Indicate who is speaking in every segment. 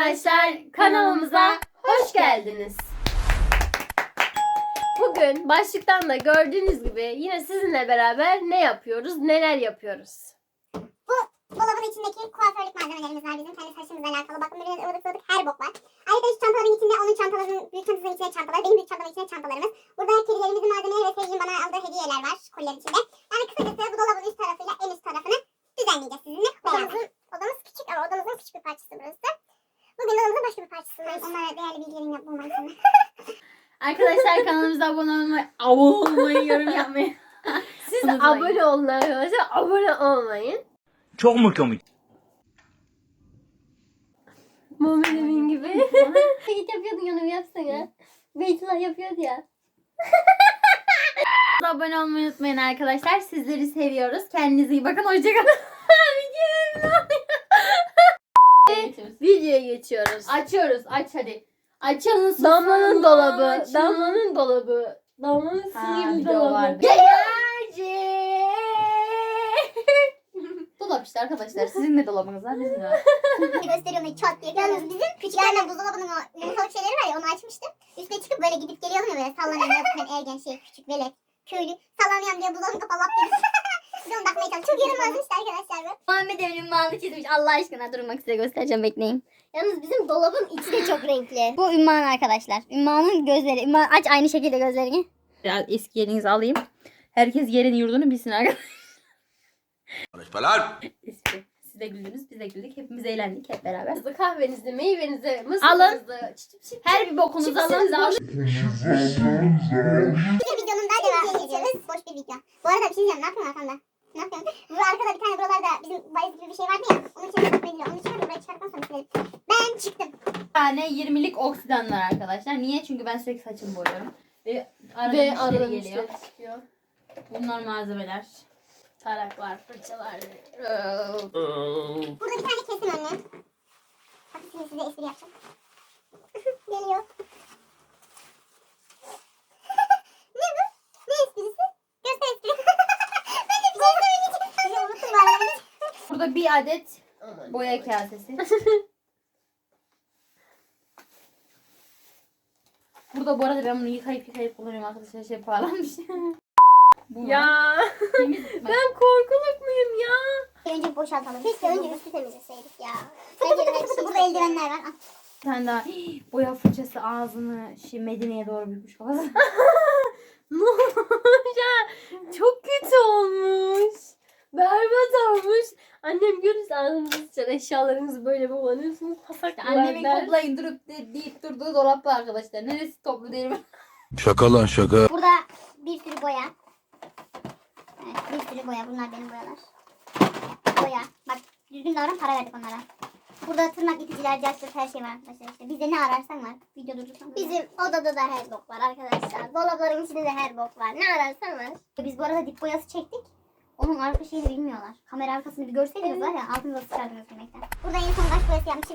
Speaker 1: arkadaşlar, kanalımıza hoş geldiniz. Bugün başlıktan da gördüğünüz gibi yine sizinle beraber ne yapıyoruz, neler yapıyoruz?
Speaker 2: Bu dolabın içindeki kuaförlük malzemelerimiz var bizim. Kendi saçımızla alakalı. Bakın böyle ılık ılık her bok var. Ayrıca şu çantaların içinde onun çantalarının, büyük çantasının içine çantalar, benim büyük çantamın içine çantalarımız. Burada kedilerimizin malzemeleri ve sevgilinin bana aldığı hediyeler var koliler içinde. Yani kısacası bu dolabın üst tarafıyla en üst tarafını düzenleyeceğiz sizinle. Odamız küçük ama odamızın küçük bir parçası burası. Bugün odamızın başka bir parçasındayız. Onlara değerli bilgilerini bulmak için.
Speaker 3: Arkadaşlar kanalımıza abone olmayı, yorum yapmayı.
Speaker 1: Siz de abone olun arkadaşlar, abone olmayın.
Speaker 4: Çok mu komik?
Speaker 1: Muhammed Emin gibi. Hiç yapıyordun yanımı yapsana. Beytullah yapıyordu ya.
Speaker 3: Abone olmayı unutmayın arkadaşlar. Sizleri seviyoruz. Kendinize iyi bakın. Hoşçakalın.
Speaker 1: Videoya geçiyoruz.
Speaker 3: Açıyoruz. Aç hadi. Açalım.
Speaker 1: Damla'nın dolabı, Damla'nın dolabı, Damla'nın sihirli
Speaker 3: video
Speaker 1: dolabı.
Speaker 3: vardı. Dolap işte arkadaşlar. Sizin de dolabınız var. Bizim de var.
Speaker 2: Gösteriyorum çat diye. Yalnız bizim küçükken buzdolabının o yumurtalık şeyleri var ya onu açmıştım. Üstüne çıkıp böyle gidip geliyordum ya böyle sallanıyorum. Ben ergen küçük velet köylü sallanıyorum diye buzdolabını kapalı diye. Bir onu bakmaya çalıştım. Çok yaramazmıştı arkadaşlar bu.
Speaker 5: Muhammed Emin'in ünvanını çizmiş. Allah aşkına durmak size göstereceğim, bekleyin.
Speaker 2: Yalnız bizim dolabın içi de çok renkli.
Speaker 5: Bu Ümman arkadaşlar. Ümman'ın gözleri. Ümman aç aynı şekilde gözlerini.
Speaker 3: Biraz eski yerinizi alayım. Herkes yerini yurdunu bilsin arkadaşlar.
Speaker 4: Konuşmalar.
Speaker 3: Eski. Siz de güldünüz, biz de güldük. Hepimiz eğlendik hep beraber.
Speaker 1: Kahvenizi, kahvenizi, meyvenizi,
Speaker 3: Alın.
Speaker 1: mısırınızı,
Speaker 3: Her bir bokunuzu alın.
Speaker 1: alın.
Speaker 2: Bir videonun daha devamını izleyeceğiz. Boş bir video. Bu arada bir şey diyeceğim. Ne yapıyorsun arkamda? Ne yapıyorsun? Bu arkada bir tane buralarda bizim valiz gibi bir şey vardı ya. Onun içine tutmayı onu çıkardım. Buraya çıkartmam sonra silerim. Ben çıktım.
Speaker 3: Bir tane 20'lik oksidan var arkadaşlar. Niye? Çünkü ben sürekli saçımı boyuyorum. Ve arada
Speaker 1: Ve
Speaker 3: müşteri
Speaker 1: aradan
Speaker 3: geliyor.
Speaker 1: müşteri çıkıyor.
Speaker 3: Bunlar malzemeler.
Speaker 1: Taraklar, fırçalar.
Speaker 2: Burada bir tane kesim önlem. Hadi şimdi size espri yapacağım. Geliyor. Ne bu? Ne esprisi? Göster espri. Ben de bir şey söyleyeceğim. Bizi unuttum bu arada.
Speaker 3: Burada bir adet boya kasesi. Burada bu arada ben bunu yıkayıp kullanıyorum arkadaşlar. Şey pahalanmış. Bu var.
Speaker 1: Ya
Speaker 3: Temiz.
Speaker 1: ben korkuluk muyum ya?
Speaker 2: Önce boşaltalım. Keşke önce üstü temizleseydik ya. Burada eldivenler var. Al.
Speaker 3: Bir tane daha boya fırçası ağzını Medine'ye doğru bükmüş kafası.
Speaker 1: Ne olmuş ya? Çok kötü olmuş. Berbat olmuş. Annem görürse ağzınızı sıçar. Eşyalarınızı böyle kullanıyorsunuz. Pasaklar
Speaker 3: Annemin
Speaker 1: der.
Speaker 3: toplayın durup deyip durduğu dolap var arkadaşlar. Neresi toplu değil mi?
Speaker 4: Şaka lan şaka.
Speaker 2: Burada bir sürü boya. Evet, bir sürü boya. Bunlar benim boyalar. Boya. Bak düzgün davran, para verdik onlara. Burada tırnak iticiler, cacık her şey var arkadaşlar işte. Bizde ne ararsan var. Video durdursan. Bizim odada da her bok var arkadaşlar. Dolapların içinde de her bok var. Ne ararsan var. Biz bu arada dip boyası çektik. Onun arka şeyini bilmiyorlar. Kamera arkasını bir görseydiniz var ya altınıza sıçardınız demekten. Burada en son kaç boyası yapmışım.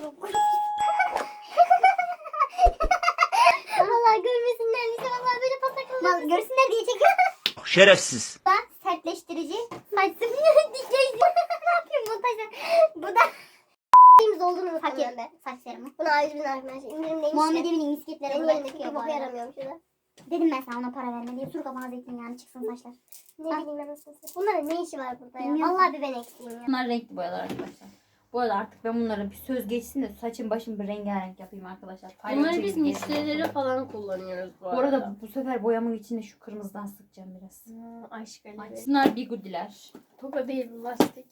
Speaker 2: Valla görmesinler. Bize valla böyle pasaklar. Görsünler diye çekiyorum.
Speaker 4: Şerefsiz.
Speaker 2: Bu da sertleştirici. Saç diyeceğiz. Ne yapayım montajda? Bu da şeyimiz olduğunu hak etti. Saç serumu. Buna A101'in arkadaşlar. İndirimdeymiş. Muhammed Emin'in misketleri. Benim yerindeki bir boku yaramıyorum şurada. Dedim ben sana ona para verme diye. Sur kafana zeytinyağını çıksın saçlar. Ne bileyim ben nasıl. Bunların ne işi var burada ya? Vallahi bir ben eksiğim ya.
Speaker 3: Bunlar renkli boyalar arkadaşlar. Bu arada artık ben bunlara bir söz geçsin de saçım başım bir rengarenk yapayım arkadaşlar.
Speaker 1: Bunları biz
Speaker 3: Paylaşayım,
Speaker 1: müşterilere
Speaker 3: gezin.
Speaker 1: falan kullanıyoruz bu
Speaker 3: Bu
Speaker 1: arada.
Speaker 3: arada bu sefer boyamın içinde şu kırmızıdan sıkacağım biraz.
Speaker 1: Aşk Ali.
Speaker 3: Şunlar bigudiler.
Speaker 1: Toka değil bu lastik.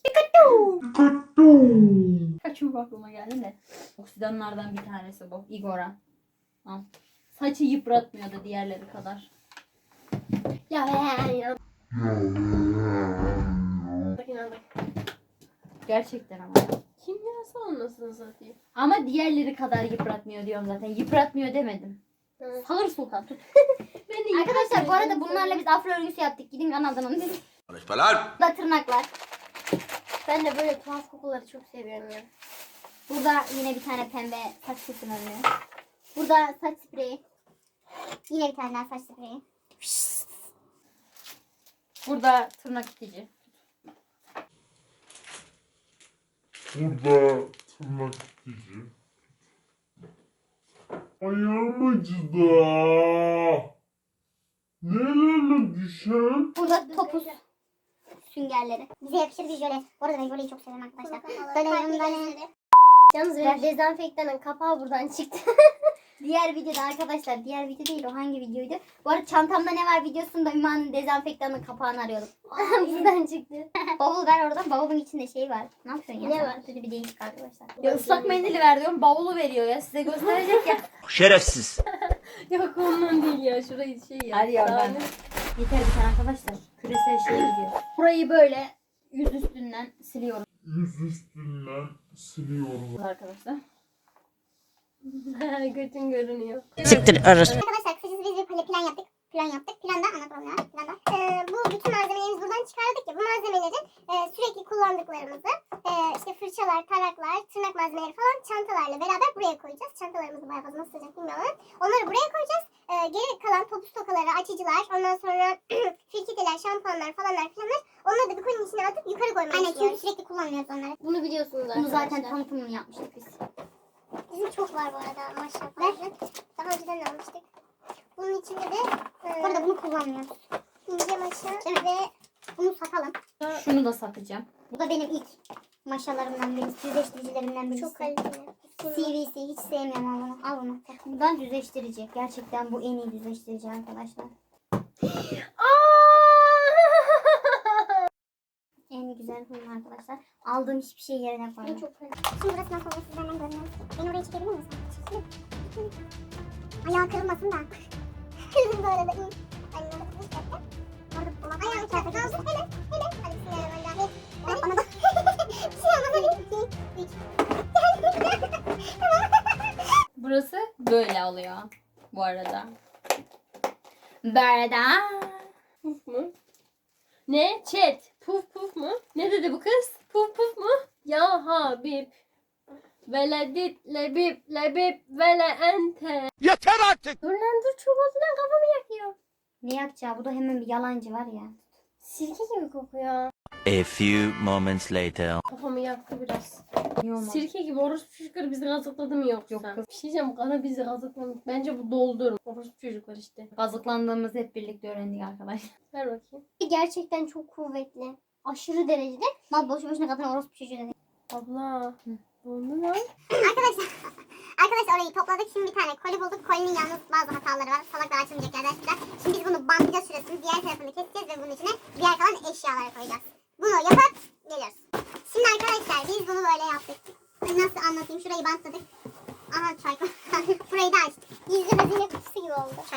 Speaker 3: Kaçım aklıma geldi de. Oksidanlardan bir tanesi bu. Igora. Al. Saçı yıpratmıyor da diğerleri kadar.
Speaker 1: Ya ya.
Speaker 3: Gerçekten ama.
Speaker 1: Kimyasal olmasını satayım.
Speaker 3: Ama diğerleri kadar yıpratmıyor diyorum zaten. Yıpratmıyor demedim.
Speaker 1: Evet.
Speaker 3: Sağır sultan tut.
Speaker 1: Ben de
Speaker 5: Arkadaşlar bu arada bunlarla biz afro örgüsü yaptık. Gidin kanaldan onu izleyin.
Speaker 4: Konuşmalar.
Speaker 5: Burada tırnaklar.
Speaker 1: Ben de böyle tuhaf kokuları çok seviyorum ya.
Speaker 5: Burada yine bir tane pembe saç kesim önlüğü. Burada saç spreyi. Yine bir tane daha saç spreyi.
Speaker 3: Burada tırnak itici.
Speaker 6: Burada tırnak itici. Ayağım acıdı. Nereye düşen?
Speaker 5: Burada topuz süngerleri. Bize yakışır bir jöle. Bu arada ben jöleyi çok seviyorum arkadaşlar. Böyle yanımda
Speaker 1: Yalnız benim dezenfektanın kapağı buradan çıktı.
Speaker 5: diğer videoda arkadaşlar, diğer video değil, o hangi videoydu? Bu arada çantamda ne var videosunda Üma'nın dezenfektanın kapağını arıyordum.
Speaker 1: buradan çıktı.
Speaker 5: Bavul ver oradan, bavulun içinde şey var. Ne yapıyorsun ya?
Speaker 1: Ne
Speaker 5: sen?
Speaker 1: var?
Speaker 5: Kötü bir değişik arkadaşlar.
Speaker 3: Ya ıslak mendili ver diyorum. Bavulu veriyor ya. Size gösterecek ya.
Speaker 4: Şerefsiz.
Speaker 1: Yok ondan değil ya. Şurayı şey ya.
Speaker 3: Hadi ya, ben-
Speaker 1: Sahne.
Speaker 3: Yeter bir tane arkadaşlar. Küresel şeye gidiyor. Burayı böyle yüz üstünden siliyoruz
Speaker 6: Yüz üstünden siliyorum.
Speaker 3: arkadaşlar.
Speaker 1: Götün görünüyor.
Speaker 2: Arkadaşlar kısacası biz bir plan yaptık. Planda anlatalım ya. Bu bütün malzemelerimizi buradan çıkardık ya. Bu malzemelerin sürekli kullandıklarımızı işte fırçalar, taraklar, tırnak malzemeleri falan çantalarla beraber buraya koyacağız. Çantalarımızı bayağı fazla nasıl sığacak bilmiyorum. Onları buraya koyacağız. Geri kalan topuz tokaları, açıcılar, ondan sonra filtreler, şampuanlar falanlar filanlar. Onları da bir konunun içine atıp yukarı koymayı düşünüyoruz. Aynen, çünkü sürekli kullanmıyoruz onları.
Speaker 1: Bunu biliyorsunuz
Speaker 5: Bunu zaten
Speaker 1: arkadaşlar.
Speaker 5: tanıtımını yapmıştık biz.
Speaker 2: Bizim çok var bu arada maşallah. Daha önceden almıştık. Bunun içinde de
Speaker 5: Bu arada bunu kullanmıyoruz.
Speaker 2: ince maşa ve
Speaker 5: Bunu satalım.
Speaker 3: Şunu da satacağım.
Speaker 5: Bu da benim ilk maşalarımdan birisi, düzleştiricilerimden birisi.
Speaker 2: çok kaliteli.
Speaker 5: CVC hiç sevmiyorum, al bunu. Al bunu. Buradan düzleştirici. Gerçekten bu en iyi düzleştirici arkadaşlar. En güzel bunun arkadaşlar. Aldığım hiçbir şey yerine koymadım.
Speaker 2: Çok kaliteli. Şimdi burası nasıl olur sizden görmüyorum. Beni oraya çekebilir misin? Ayağı kırılmasın da. Kırdım bu arada. İyi. Anne bak bir dakika. Orada ayağını çarpı kaldı. Hele. Hadi bismillahirrahmanirrahim. Hadi bana bak. Bir şey olmaz hadi. 2, 3.
Speaker 3: Burası böyle oluyor. Bu arada. Berda.
Speaker 1: Puf mu? Ne? Chat. Puf puf mu? Ne dedi bu kız? Puf puf mu? Ya Habib. Veledit lebib lebib vele ente.
Speaker 4: Yeter artık.
Speaker 1: Dur lan dur, çok olduğundan kafamı yakıyor.
Speaker 5: Ne yapacağı? Bu da hemen bir yalancı var ya.
Speaker 1: Sirke gibi kokuyor.
Speaker 4: A few moments later.
Speaker 1: Kafamı yaktı biraz.
Speaker 3: Niye olmaz?
Speaker 1: Sirke gibi orospu çocukları bizi gazıkladı mı yoksa?
Speaker 3: Yok kız.
Speaker 1: Bir şey diyeceğim, kana bizi gazıklamış. Bence bu doldur. Orospu çocuklar işte.
Speaker 3: Kazıklandığımızı hep birlikte öğrendik arkadaşlar.
Speaker 1: Ver bakayım.
Speaker 5: Gerçekten çok kuvvetli. Aşırı derecede. Mal boşu boşuna kadın orospu çocuğu dedi.
Speaker 1: Abla. Dondu lan.
Speaker 2: Arkadaşlar orayı topladık. Şimdi bir tane koli bulduk. Kolinin yalnız bazı hataları var. Salaklar açılmayacak yerler. Şimdi biz bunu bantlayacağız şurasını. Diğer tarafını keseceğiz ve bunun içine diğer kalan eşyaları koyacağız. Bunu yapıp geliyoruz. Şimdi arkadaşlar biz bunu böyle yaptık. Nasıl anlatayım? Şurayı bantladık. Aha çay. Burayı da açtık. Gizli hazine kutusu gibi oldu. Çay.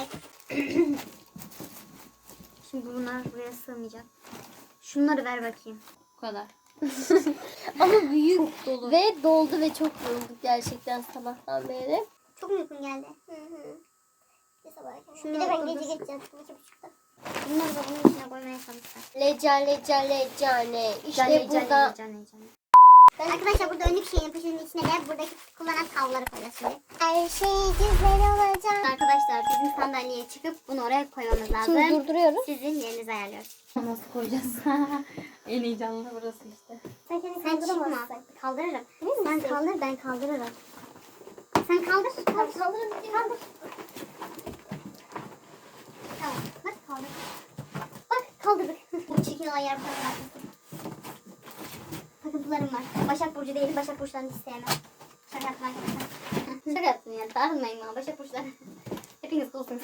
Speaker 5: Şimdi bunlar buraya sığmayacak. Şunları ver bakayım.
Speaker 3: Bu kadar.
Speaker 1: Ama büyük dolu. Ve doldu ve çok yorulduk gerçekten sabahtan beri.
Speaker 2: Çok mu uykun geldi? Hı.
Speaker 5: Şunu
Speaker 2: Bir de ben
Speaker 5: oturdur.
Speaker 2: gece geç yattım. 2.30'da.
Speaker 5: Bunları da bunun içine koymaya çalışacağım.
Speaker 1: Lecane. İşte burada.
Speaker 5: Cane.
Speaker 2: Arkadaşlar burada önlük şeyin poşetinin içine de buradaki kullanan havluları koyacağız şimdi. Her şey güzel olacak.
Speaker 5: Arkadaşlar bizim sandalyeye çıkıp bunu oraya koymamız lazım.
Speaker 1: Şimdi durduruyoruz.
Speaker 5: Sizin yerinizi ayarlıyoruz.
Speaker 3: Nasıl koyacağız? En heyecanlı burası işte.
Speaker 2: Sen kendini
Speaker 5: Sen çıkma.
Speaker 2: kaldıramazsın.
Speaker 5: Kaldırırım.
Speaker 2: Emin
Speaker 5: Sen
Speaker 2: misin?
Speaker 5: kaldır, ben kaldırırım. Sen kaldır.
Speaker 2: Kaldır. Kaldır. Tamam. Bak kaldır.
Speaker 5: Bak kaldırdık. Bu çirkin olan yer falan. Takıntılarım var. Başak Burcu değilim. Başak Burçlarını hiç sevmem. Şaka yaptım arkadaşlar. Şaka yaptım yani. Darılmayın bana. Başak Burçları. Hepiniz coolsunuz.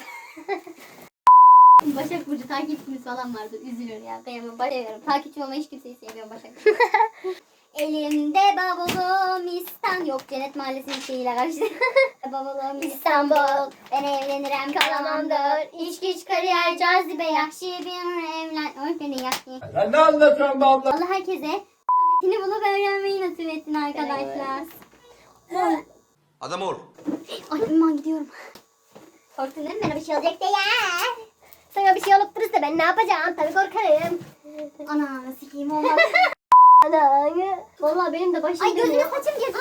Speaker 5: Başak Burcu takipçimiz falan vardır. Üzülür ya. Kıyamam. Bayılıyorum. Takipçim ama hiç kimseyi sevmiyorum Başak. Elimde bavulum İstanbul. Yok Cennet Mahallesi'nin şeyiyle karıştı. Bavulum İstanbul. Ben evlenirim kalamamdır. İş güç kariyer cazibe yakşı bir evlen. Oy beni yakşı.
Speaker 6: Ya ne anlatıyorsun be abla?
Speaker 5: Allah herkese Ahmet'ini bulup öğrenmeyi nasip etsin arkadaşlar.
Speaker 4: Adam ol.
Speaker 5: Ay ben gidiyorum. Korktun değil mi? Bana bir şey olacak diye. Sana bir şey olup durursa ben ne yapacağım? Tabii korkarım. Ana sikeyim olmaz.
Speaker 1: Vallahi benim de başım
Speaker 5: Ay gözüme saçım girdi.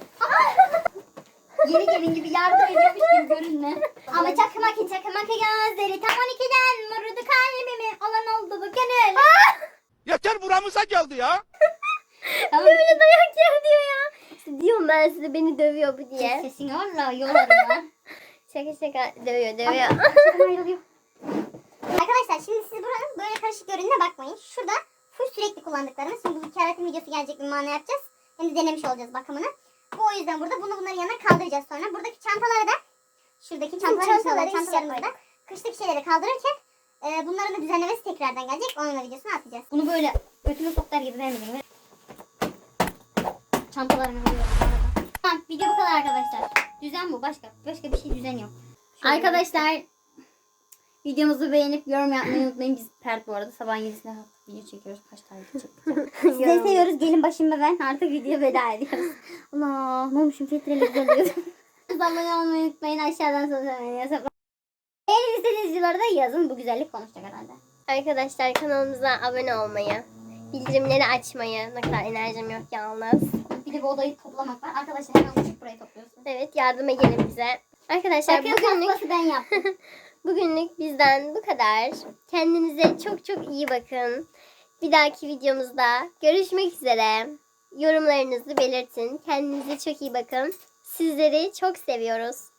Speaker 5: Yeni gelin gibi yardım ediyormuş gibi görünme. Ama çakmak gözleri tam 12'den vurdu kalbimi. Olan oldu bu gönül.
Speaker 4: Yeter buramıza geldi ya.
Speaker 5: Tamam.
Speaker 1: böyle dayak yer diyor ya. İşte diyorum ben size, beni dövüyor bu diye.
Speaker 5: Sesini valla yolarım lan.
Speaker 1: Şaka dövüyor.
Speaker 2: Şaka ayrılıyor. Arkadaşlar şimdi siz buranın böyle karışık görününe bakmayın. Şurada full sürekli kullandıklarımız. Şimdi bu keratin videosu gelecek, bir mana yapacağız. Hem de denemiş olacağız bakımını. Bu o yüzden burada bunların yanına kaldıracağız sonra. Buradaki çantaları da şuradaki çantaları da kışlık şeyleri kaldırırken bunların da düzenlemesi tekrardan gelecek. Onun da videosunu atacağız.
Speaker 5: Bunu böyle götüme soklar gibi vermedim. Çantalarını alıyorum bu arada. Tamam, video bu kadar arkadaşlar. Düzen bu. Başka bir şey düzen yok. Arkadaşlar videomuzu beğenip yorum yapmayı unutmayın. Biz Pert bu arada sabahın 7'sine kalktık. Video çekiyoruz. Kaç tane çekeceğim.
Speaker 2: Sizleri seviyoruz. Gelin başımda ben.
Speaker 5: Artık video veda ediyoruz. Allah ne olmuşum filtreleri görüyordum. Abone olmayı unutmayın. Aşağıdan sosyal medya hesaplarına. Beğenip istediğiniz videoları da yazın. Bu güzellik konuşacak herhalde.
Speaker 1: Arkadaşlar kanalımıza abone olmayı, bildirimleri açmayı, ne kadar enerjim yok yalnız.
Speaker 5: Bir de bu odayı toplamak var. Arkadaşlar hemen uçup burayı topluyorsun.
Speaker 1: Evet, yardıma gelin bize. Arkadaşlar
Speaker 5: Bakın ben yaptım.
Speaker 1: bugünlük bizden bu kadar. Kendinize çok çok iyi bakın. Bir dahaki videomuzda görüşmek üzere. Yorumlarınızı belirtin. Kendinize çok iyi bakın. Sizleri çok seviyoruz.